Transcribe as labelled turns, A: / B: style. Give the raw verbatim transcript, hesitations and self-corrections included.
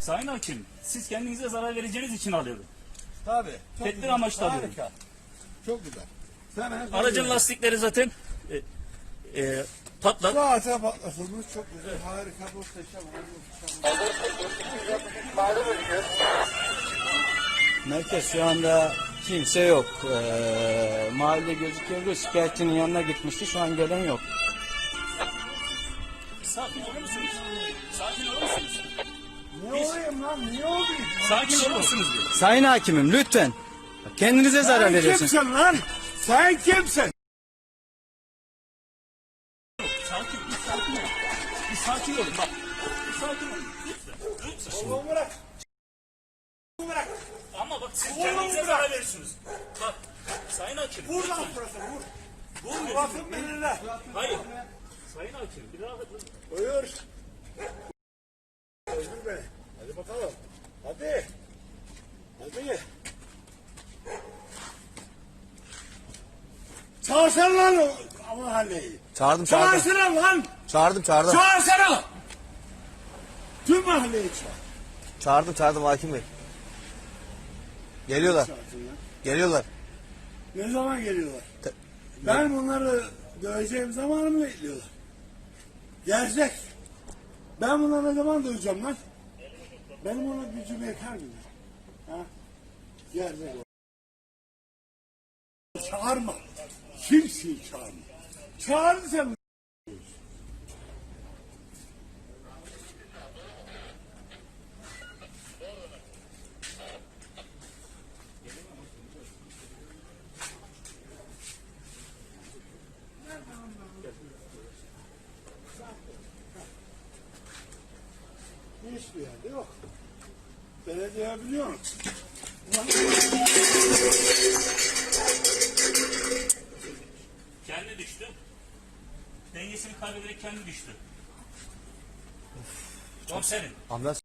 A: Sayın Hakim, siz kendinize zarar vereceğiniz için alıyordun.
B: Tabii.
A: Tedbir amaçlı alıyordun.
B: Harika. Çok güzel. Sen
A: Aracın lastikleri zaten e, e, patlak.
B: Zaten patlatılmış. Çok güzel. Harika. Muhteşem.
C: Merkez şu anda kimse yok. Ee, mahalle gözüküyordu. Şikayetçinin yanına gitmişti. Şu an gelen yok.
A: Sakin olur musunuz? Sakin olur musunuz?
B: Ne olayım lan? Niye olayım?
A: Sakin olur musunuz? diyor.
C: Sayın hakimim lütfen. Kendinize zarar
B: Sen
C: veriyorsunuz.
B: kimsin lan? Sen kimsin?
A: Sakin, bir sakin olun. Bir sakin olun bak. Bir sakin olun. Lütfen. Lütfen.
B: Oğlum bırak. Bırak.
A: Ama bak siz
B: Oğlum
A: kendinize
B: bırak.
A: zarar veriyorsunuz. Bak, Sayın Hakim.
B: Vur lan
A: lütfen.
B: burası. Vur.
A: Vurmuyor.
B: Bakın benimle.
A: Hayır. Sayın Hakim, bir rahat edin.
B: Buyur. Öldür beni. Hadi bakalım. Hadi. Hadi. Çağırsana lan o mahalleyi.
C: Çağırdım çağırdım.
B: Çağırsana lan.
C: Çağırdım çağırdım.
B: Çağırsana. Tüm mahalleyi çağır.
C: Çağırdım çağırdım hakim bey. Geliyorlar.
B: Çağırsın ya.
C: Geliyorlar.
B: Ne zaman geliyorlar?
C: Te-
B: Ben bunları döveceğim zamanı mı bekliyorlar? Gelecek. Ben bunları ne zaman döveceğim lan? Benim ona gücüm yeter mi? Ha? Gelecek. Çağırma. Kimseyi çağırma. Çağırdı sen. Hiçbir yerde yok. Belediye biliyor musun?
A: Kendi düştü. Dengesini kaybederek kendi düştü. Komiserim.
C: Ambulans